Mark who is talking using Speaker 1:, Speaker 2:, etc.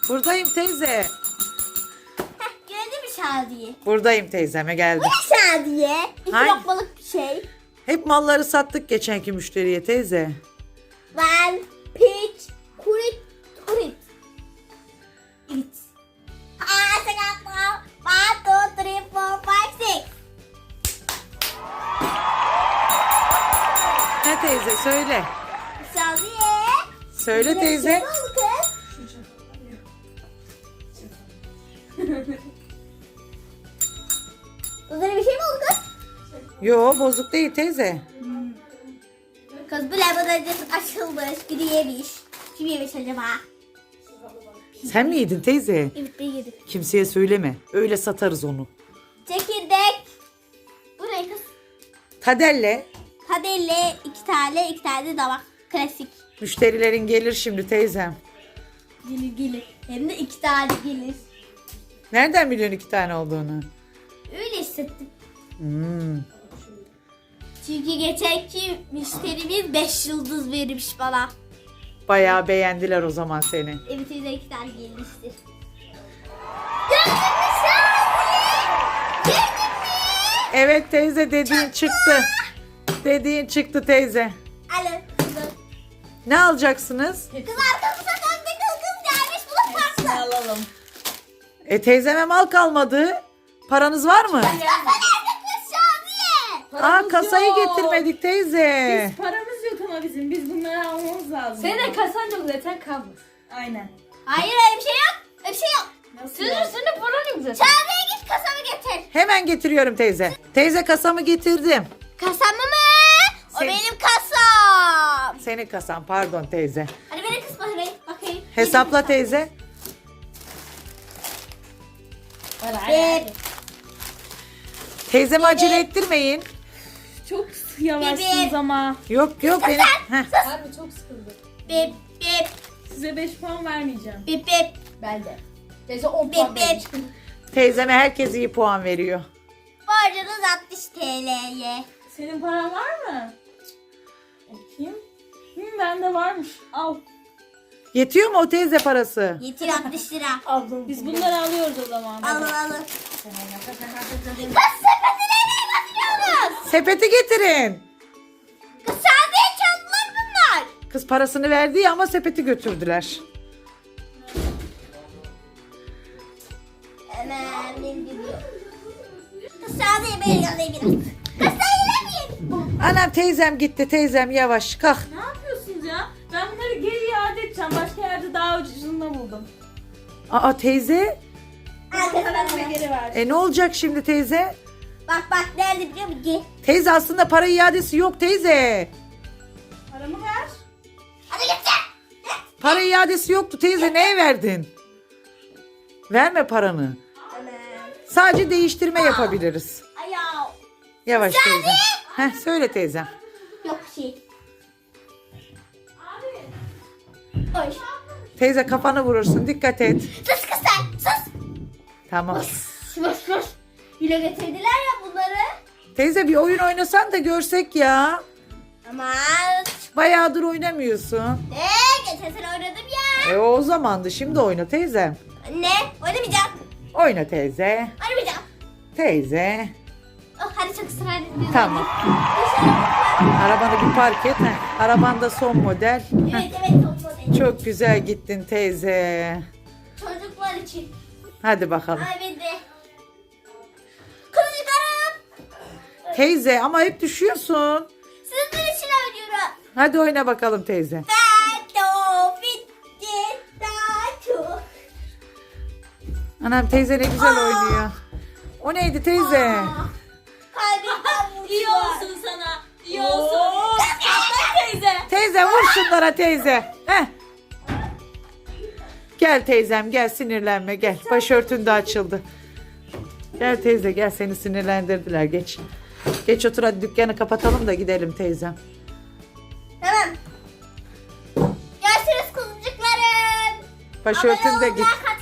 Speaker 1: Buradayım teyze.
Speaker 2: Gördün mü Şadiye?
Speaker 1: Buradayım teyzeme geldim.
Speaker 2: Bu ne Şadiye? İki
Speaker 1: Hangi?
Speaker 2: lokmalık bir şey.
Speaker 1: Hep malları sattık geçenki müşteriye teyze.
Speaker 2: Ben piç kurit kurit. Evet. One, two, three, four, five, six.
Speaker 1: Ne teyze söyle.
Speaker 2: Şadiye.
Speaker 1: Söyle teyze.
Speaker 2: Ne oldu kız? Üzerine bir şey mi oldu kız?
Speaker 1: Yo bozuk değil teyze.
Speaker 2: Kız bu laboratuvarın açılmış, biri yemiş. Kim yemiş acaba?
Speaker 1: Sen mi yedin teyze?
Speaker 2: Evet ben yedim.
Speaker 1: Kimseye söyleme. Öyle satarız onu.
Speaker 2: Çekirdek. Bu ne kız?
Speaker 1: Tadelle.
Speaker 2: Kadelle iki tane de damak. Klasik.
Speaker 1: Müşterilerin gelir şimdi teyzem.
Speaker 2: Gelir. Hem de 2 tane gelir.
Speaker 1: Nereden biliyorsun 2 tane olduğunu?
Speaker 2: Öyle hissettim.
Speaker 1: Hmm.
Speaker 2: Çünkü geçenki müşterimiz 5 yıldız vermiş bana.
Speaker 1: Bayağı beğendiler o zaman seni.
Speaker 2: Evet öyle 2 tane gelmiştir. Gördün mü Şadiye? Gördün mü?
Speaker 1: Evet teyze dediğin çıktı. Dediğin çıktı teyze.
Speaker 2: Alın kızım.
Speaker 1: Ne alacaksınız?
Speaker 2: Kız arkamıza döndü kız gelmiş bunu farklı.
Speaker 3: Alalım.
Speaker 1: Teyzeme mal kalmadı. Paranız var mı?
Speaker 2: Kasa nerede kız Şadiye?
Speaker 1: Aa kasayı
Speaker 3: yok.
Speaker 1: getirmedik teyze.
Speaker 3: Paramız yok ama biz bunları almamız lazım.
Speaker 4: Senin de kasan yok zaten kalmış.
Speaker 3: Aynen.
Speaker 2: Hayır öyle bir şey yok. Öyle bir şey yok.
Speaker 3: Nasıl
Speaker 4: Senin
Speaker 3: ya?
Speaker 4: üstünde paran yok zaten.
Speaker 2: Şadiye git kasamı getir.
Speaker 1: Hemen getiriyorum teyze. Teyze kasamı getirdim.
Speaker 2: Kasamı mı? O
Speaker 1: Sen-
Speaker 2: benim kasam.
Speaker 1: Senin kasan pardon teyze.
Speaker 2: Hadi beni kız bakayım.
Speaker 1: Hesapla teyze.
Speaker 2: Bir,
Speaker 1: Teyzemi acele ettirmeyin.
Speaker 3: Çok yavaşsınız ama.
Speaker 1: Yok benim. Heh.
Speaker 4: Harbi çok sıkıldı.
Speaker 2: bip, bip,
Speaker 3: Size 5 puan vermeyeceğim.
Speaker 2: bip, bip,
Speaker 4: Ben de. Teyze 10
Speaker 2: bip,
Speaker 4: puan
Speaker 2: bip.
Speaker 4: vermiş.
Speaker 1: Teyzeme herkes iyi puan veriyor.
Speaker 2: Borcunuz 60 TL'ye.
Speaker 3: Senin paran var mı? Bakayım. Bende varmış. Al.
Speaker 1: Yetiyor mu o teyze parası?
Speaker 2: Getir 60 lira.
Speaker 4: Aldım.
Speaker 3: Biz bunları alıyoruz o zaman.
Speaker 2: Alın. Kız sepeti nereye götürüyorsunuz?
Speaker 1: Sepeti getirin.
Speaker 2: Kız Şadiye çaldılar bunlar.
Speaker 1: Kız parasını verdi ya ama sepeti götürdüler.
Speaker 2: Hemen benim gidiyor. Kız Şadiye beni alayım biraz. Kız sen yine mi?
Speaker 1: Anam teyzem gitti teyzem yavaş kalk.
Speaker 3: Ne yapıyorsunuz ya? Ben bunları geri iade edeceğim. Başka yerde daha ucuzunu buldum.
Speaker 1: Aa teyze.
Speaker 3: Paramı geri ver.
Speaker 1: Ne olacak şimdi teyze?
Speaker 2: Bak nerede biliyor musun? Gel.
Speaker 1: Teyze aslında para iadesi yok teyze.
Speaker 3: Paramı ver.
Speaker 2: Hadi getir.
Speaker 1: Para iadesi yoktu teyze neye verdin? Verme paranı.
Speaker 2: Hemen.
Speaker 1: Sadece değiştirme yapabiliriz.
Speaker 2: Ayaw.
Speaker 1: Yavaş teyze. Heh söyle teyzem.
Speaker 2: Yok bir şey. Oy.
Speaker 1: Teyze kafanı vurursun dikkat et.
Speaker 2: Sus kız sen. Sus.
Speaker 1: Tamam.
Speaker 2: Sus. Yine getirdiler ya bunları.
Speaker 1: Teyze bir oyun oynasan da görsek ya.
Speaker 2: Aman.
Speaker 1: Bayağıdır oynamıyorsun.
Speaker 2: Geçen sene oynadım ya.
Speaker 1: O zamandı şimdi oyna teyzem.
Speaker 2: Anne oynamayacağım.
Speaker 1: Oyna teyze.
Speaker 2: Oynamayacağım.
Speaker 1: Teyze.
Speaker 2: Oh, hadi çok ısrar etmiyorum.
Speaker 1: Tamam. Arabanı bir park et. Heh. Araban da son model. Heh.
Speaker 2: Evet top model.
Speaker 1: Çok güzel gittin teyze.
Speaker 2: Çocuklar için.
Speaker 1: Hadi bakalım.
Speaker 2: Ay ben de. Kılıçlarım.
Speaker 1: Teyze ama hep düşüyorsun.
Speaker 2: Sizin için oynuyorum.
Speaker 1: Hadi oyna bakalım teyze.
Speaker 2: Tato bitti. Tato.
Speaker 1: Anam teyze ne güzel oynuyor. O neydi teyze?
Speaker 2: Kalbimden vurdu.
Speaker 3: İyi olsun sana. İyi olsun. Atla teyze.
Speaker 1: Teyze vur şunlara teyze. Heh. Gel teyzem gel sinirlenme gel. Başörtün de açıldı. Gel teyze gel seni sinirlendirdiler geç. Geç otur hadi dükkanı kapatalım da gidelim teyzem.
Speaker 2: Tamam. Görüşürüz kuzucuklarım.
Speaker 1: Başörtün de
Speaker 2: Abone
Speaker 1: git.
Speaker 2: olun,